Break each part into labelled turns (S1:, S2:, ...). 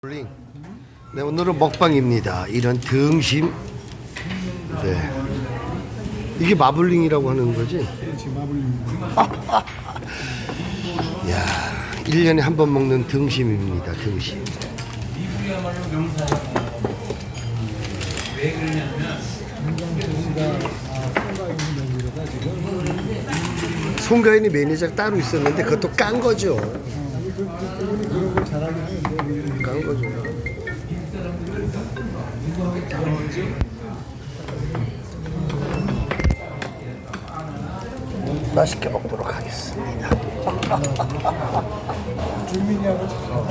S1: 네, 오늘은 먹방입니다. 이런 등심. 네. 이게 마블링이라고 하는 거지?
S2: 그렇지, 마블링.
S1: 야, 1년에 한 번 먹는 등심입니다. 등심.
S2: 왜 그러냐면
S1: 송가인이 매니저가 따로 있었는데 그것도 깐 거죠.
S2: 그분이 그런 걸 잘하긴 하는데
S1: 깐 거죠. 맛있게 먹도록 하겠습니다.
S2: 주민이하고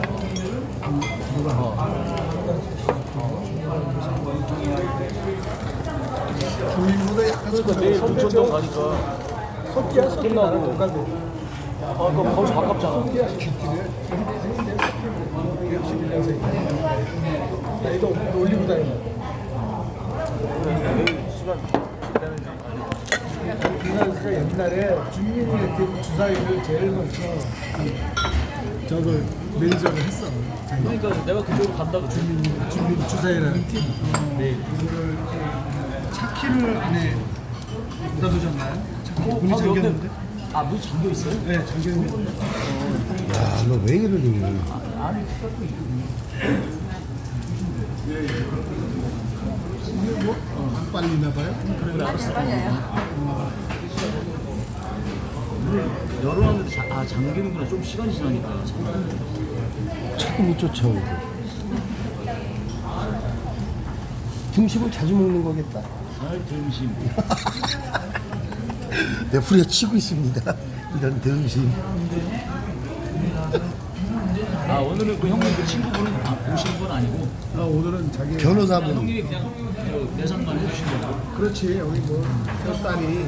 S2: 주민보다 약간
S3: 내일 부천동 가니까
S2: 섭기야
S3: 끝나고.
S2: 똑같아.
S3: 그럼 거기서 가깝잖아.
S2: 섭기야 깃들에 나이도 올리고 다니는 그러니까 옛날에 주민이 이렇게 주사위를 제일 먼저 저걸 매니저를 했어.
S3: 그러니까 내가 그쪽으로 간다고
S2: 주민 주사위라는 팀.
S3: 네.
S2: 이거를 차키를 안에 묻어두셨나요? 차키 문이 잠겼는데?
S3: 문 잠겨 있어요?
S2: 네, 잠겼는데.
S1: 야, 너 왜 이러니?
S2: 이게 뭐? 안 빨리나 봐요?
S3: 그래 알았어. 열어놨는데 잠기는구나. 좀 시간이 지나니까.
S1: 자꾸 못 쫓아오고. 등심을 자주 먹는 거겠다.
S3: 등심.
S1: 내 후려치고 있습니다. 이런 등심.
S3: 오늘은 그 형님 그 친구분은 오시는 건 아니고
S2: 오늘은 자기
S1: 변호사분.
S3: 형님이 그냥 내산만 해주신 거고.
S2: 그렇지 여기 뭐 딸이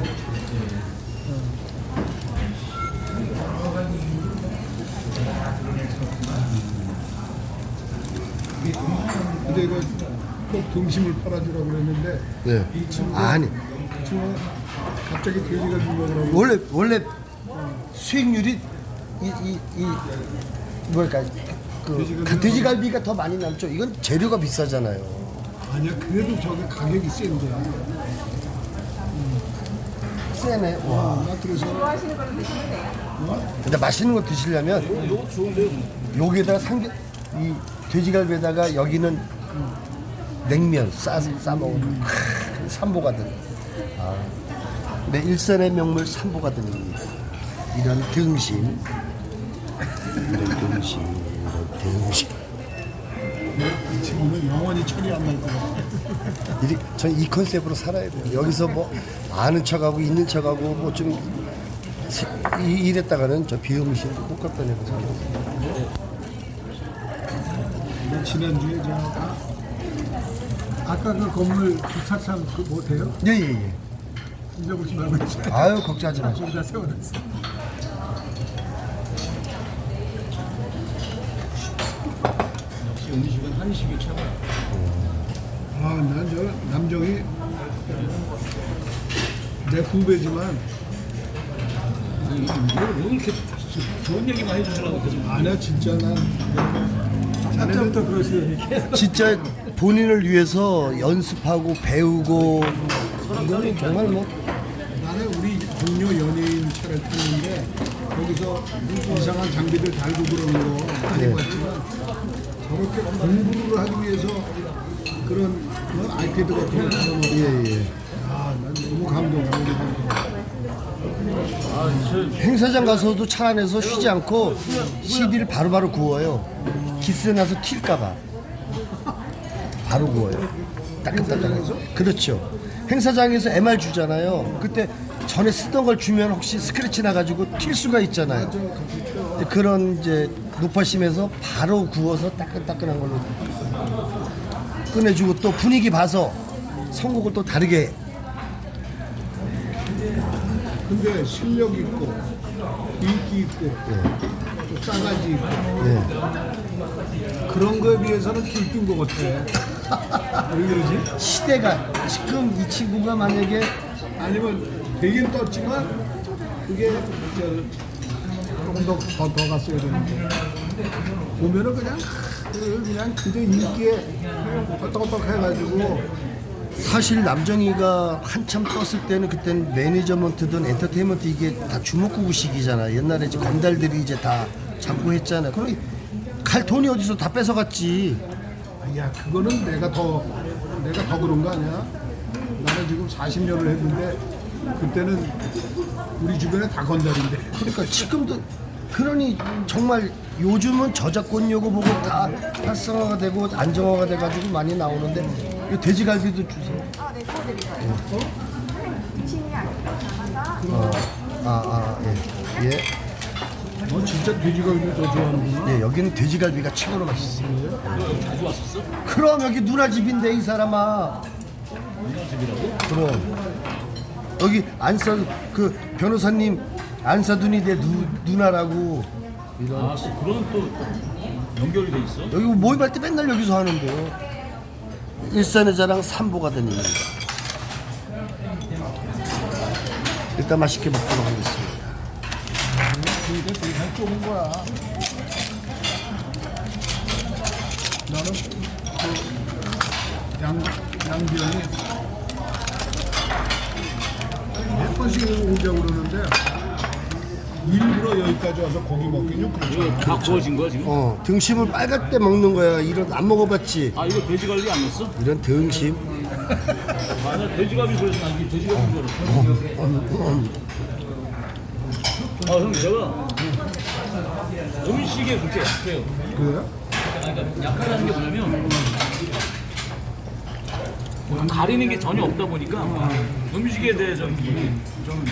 S2: 근데 이거 꼭 등심을 팔아주라고 그랬는데
S1: 네.
S2: 이 친구가
S1: 아니,
S2: 친구가 갑자기 돼지가 좀 먹으라고
S1: 원래 수익률이 이 뭐랄까 그 돼지갈비가 더 많이 남죠. 이건 재료가 비싸잖아요.
S2: 아니야 그래도 저게 가격이 센데
S1: 세네. 와.
S2: 나 그래서
S1: 근데 맛있는 거 드시려면
S3: 이거 좋은데요?
S1: 여기에다가 이 돼지갈비에다가 여기는 냉면 싸 먹으면 삼보가든. 네, 일산의 명물 삼보가든입니다. 이런 등심, 이런 등심.
S2: 이 친구는 영원히 철이 안 날 거야.
S1: 전 이 컨셉으로 살아야 돼요. 여기서 뭐 아는 척하고 있는 척하고 뭐 좀 이랬다가는 저 비음식 똑같다 내고 생각해요.
S2: 지난주에 아까 그 건물 주차장 그 못해요?
S1: 예예예.
S2: 잊어보지 말고 있지.
S1: 아유 걱정하지 마시고.
S2: 거기다 세워놨어.
S3: 역시 음식은 한식이 최고야.
S2: 난 저 남정이 내 후배지만
S3: 아니 뭐 이렇게 좋은 얘기만 해주시려고 계속.
S2: 아니야 진짜 난 자네부터 그러시더니
S1: 진짜 본인을 위해서 연습하고 배우고 이거는 정말 뭐
S2: 나는 우리 동료 연예인 차를 타는데 거기서 이상한 장비들 달고 그러는 거 많이
S1: 네.
S2: 봤지만 저렇게 공부를 하기 위해서 그런 아이패드 같은 거 타는
S1: 예예.
S2: 난 너무 감동하고
S1: 행사장 가서도 차 안에서 쉬지 않고 CD를 바로바로 구워요. 기스에 나서 튈까봐 바로 구워요. 따끈따끈해서. 그렇죠. 행사장에서 MR 주잖아요. 그때 전에 쓰던 걸 주면 혹시 스크래치 나가지고 튈 수가 있잖아요. 그런 이제 높아심에서 바로 구워서 따끈따끈한 걸로 꺼내주고 또 분위기 봐서 선곡을 또 다르게 해.
S2: 근데 실력 있고 인기 있고 또 싸가지 있고 그런 거에 비해서는 길뜬 것 같아. 왜 그러지?
S1: 시대가 지금 이 친구가 만약에
S2: 아니면 되긴 떴지만 그게 조금 더 갔어야 되는데 보면은 그냥 그냥 그저 인기에 헛떡헛떡 해가지고
S1: 사실 남정이가 한참 떴을 때는 그때는 매니저먼트든 엔터테인먼트 이게 다 주먹구구 시기잖아. 옛날에 이제 건달들이 이제 다 잡고 했잖아. 그럼 갈 돈이 어디서 다 뺏어갔지.
S2: 야 그거는 내가 더 그런 거 아니야? 나는 지금 40년을 했는데 그때는 우리 주변에 다 건달인데.
S1: 그러니까 지금도 그러니 정말 요즘은 저작권 요구 보고 다 활성화가 되고 안정화가 돼가지고 많이 나오는데 이 돼지갈비도 주세요.
S4: 네, 구워드릴게요. 미친이 아니고 담아서
S1: 예. 예.
S2: 진짜 돼지갈비 더 좋아하는구나.
S1: 예, 여기는 돼지갈비가 최고로 맛있어.
S3: 너 자주 왔었어?
S1: 그럼 여기 누나 집인데 이 사람아.
S3: 누나 집이라고?
S1: 그럼 여기 안사 그 변호사님 안사둔이 내 누나라고 이런.
S3: 아, 그런 또 연결이 돼 있어?
S1: 여기 모임할 때 맨날 여기서 하는데요. 일산의 자랑 3보가 된 일입니다. 일단 맛있게 먹도록 하겠습니다.
S2: 이게 되게 잘 좁은 거야. 나는 그 양비영이 몇 번씩 오자고 그러는데 일부러 여기까지 와서 고기 먹긴 좀 그렇죠.
S3: 이거 다 구워진 거야 지금?
S1: 등심을 빨갈 때 먹는 거야. 이런 안 먹어봤지?
S3: 아 이거 돼지갈비 안 넣었어?
S1: 이런 등심.
S3: 아, 나 돼지갈비 그래서 나 이게 돼지갈비 줄 알았어. 아, 형 제가 음식에 그렇게 약해요.
S2: 그래요?
S3: 그러니까 약하다는 게 뭐냐면 가리는 게 전혀 없다 보니까 음식에 대해서 좀